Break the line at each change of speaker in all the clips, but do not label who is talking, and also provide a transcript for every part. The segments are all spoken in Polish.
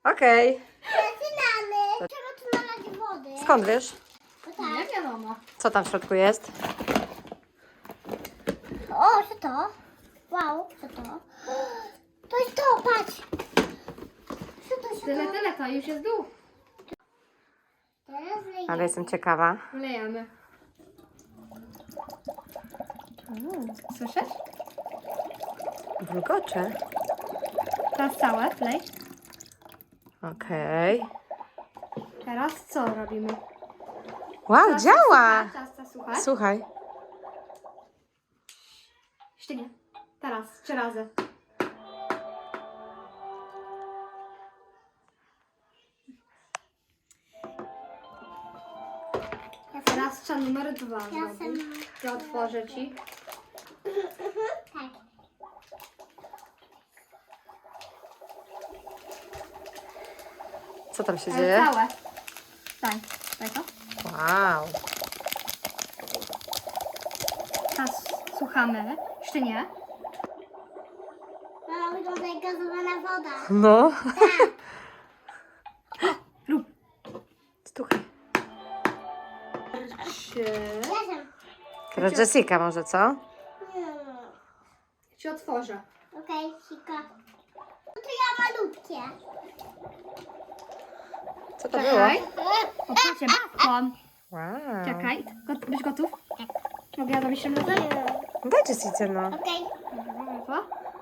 Okej.
Zaczynamy. Trzeba tu nalać wody.
Skąd wiesz?
No tak.
Nie wiadomo.
Co tam w środku jest?
O, co to? Wow, co to? To jest to, patrz. Co to?
Tyle, to już jest dół.
Teraz wejdę.
Ale jestem ciekawa.
Wlejemy. Słyszysz?
Bulgocze.
Teraz całe wlej.
Okej.
Teraz co robimy?
Wow,
Teraz
działa!
Teraz słuchaj.
Słuchaj.
Jeszcze nie. Teraz, 3 razy. Teraz trzeba numer 2 zrobić. To otworzę ci.
Tak.
Co tam się
Ale
dzieje?
całe. Daj to.
Wow.
Teraz słuchamy. Jeszcze nie.
Mama, wygląda jak gazowana woda.
No.
Rób.
Słuchaj.
3.
Jestem.
Teraz Jessica może, co?
Ci otworzę.
Okej, sika. No to ja malutkie.
Co to było?
Czekaj. Otwórcie babką.
Wow.
Czekaj. Być gotów? Mogę ja zrobić tym razem?
Daj Jessice, no.
Okej.
Dobra.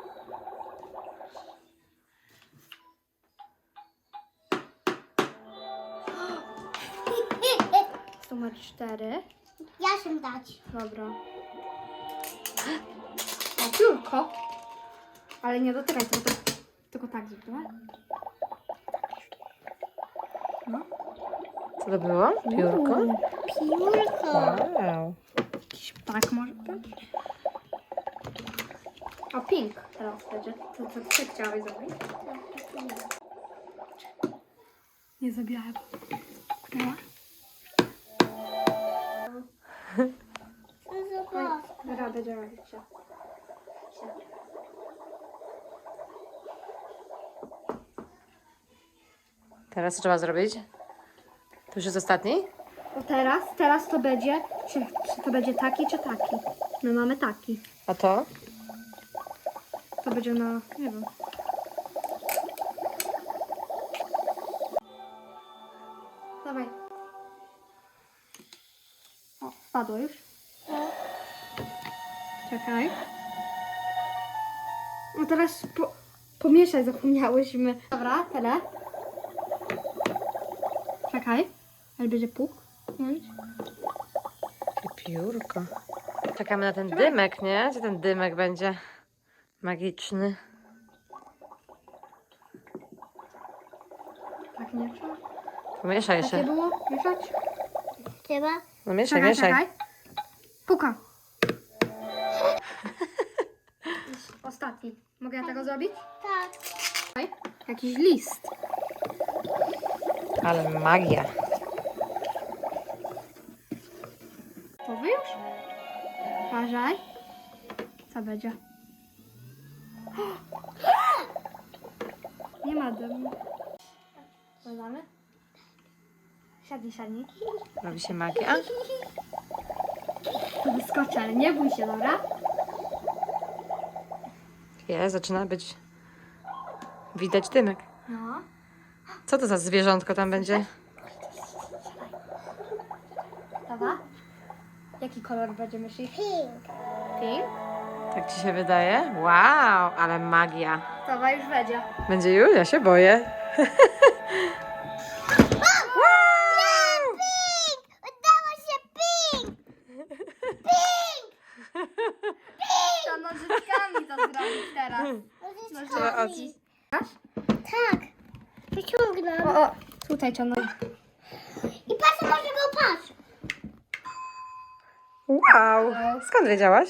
Numer 4.
Ja się dać.
Dobra. O, piórko. Ale nie dotykaj, tylko tak zrób, dobra? No.
Co to było? Piórko?
Piórko.
Wow.
Jakiś ptak może być? O, pink teraz będzie. Co ty chciałeś zrobić? Nie zabijałem. No.
Zobacz.
Radę działać się.
Teraz co trzeba zrobić? To już jest ostatni?
O teraz to będzie, czy to będzie taki, czy taki? My mamy taki.
A to?
To będzie na, nie wiem. Dawaj. O, spadło już. Czekaj. No teraz pomieszać zapomniałyśmy. Dobra, tyle. Czekaj. Ale będzie puk.
Piórko. Czekamy na ten dymek, nie? Gdzie ten dymek będzie magiczny?
Tak nie trzeba.
Pomieszaj
Takie
jeszcze.
było? Mieszać?
Trzeba?
No mieszaj, mieszaj.
Puka. Ostatni. Mogę ja tego zrobić?
Tak.
Czekaj. Jakiś list.
Ale magia.
Gotowy już? Uważaj. Co będzie? Nie ma dymu. Dodamy? Siadnij.
Robi się magia.
Tu wyskoczy, ale nie bój się, dobra?
Zaczyna być... Widać dymek.
No.
Co to za zwierzątko tam będzie?
Dobra? Jaki kolor będzie myślisz?
Pink.
Pink?
Tak ci się wydaje? Wow, ale magia.
Dobra, już będzie.
Będzie już? Ja się boję. Wow!
Pink! Udało się pink! Pink!
To nożyczkami to zrobić teraz.
Nożyczkami. Tak. Wyciągnę.
O, tutaj ciągnę.
I patrz, może go patrz.
Wow! Skąd wiedziałaś?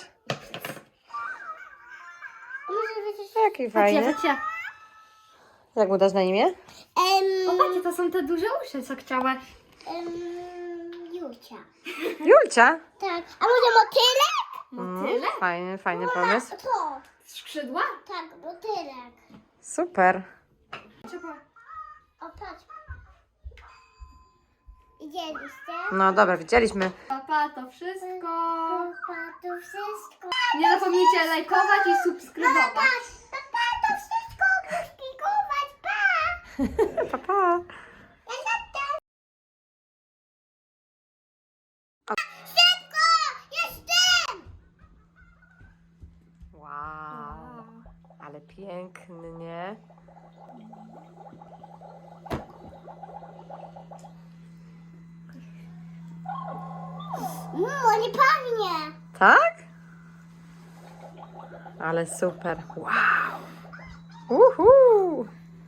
Może być...
Jaki fajny.
Patrzcie.
Jak mu dasz na imię?
Popatrzcie, to są te duże uszy, co chciały.
Julcia.
Julcia.
Tak. A może motylek?
Motyle?
Fajny pomysł.
To.
Skrzydła?
Tak, motylek.
Super.
Trzeba.
O, patrz. Widzieliście?
No dobra, widzieliśmy.
Papa, to wszystko.
Papa, to wszystko.
Nie zapomnijcie lajkować i subskrybować.
Papa, to wszystko. Klikować, pa.
Pa, pa.
Szybko! Jestem!
Wow, ale pięknie.
Nie pachnie.
Tak? Ale super. Wow. Uhu.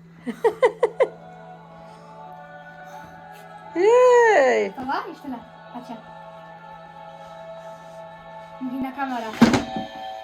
Jej.
Dobra, jeszcze raz. Patrzcie. Mówi na kamerę.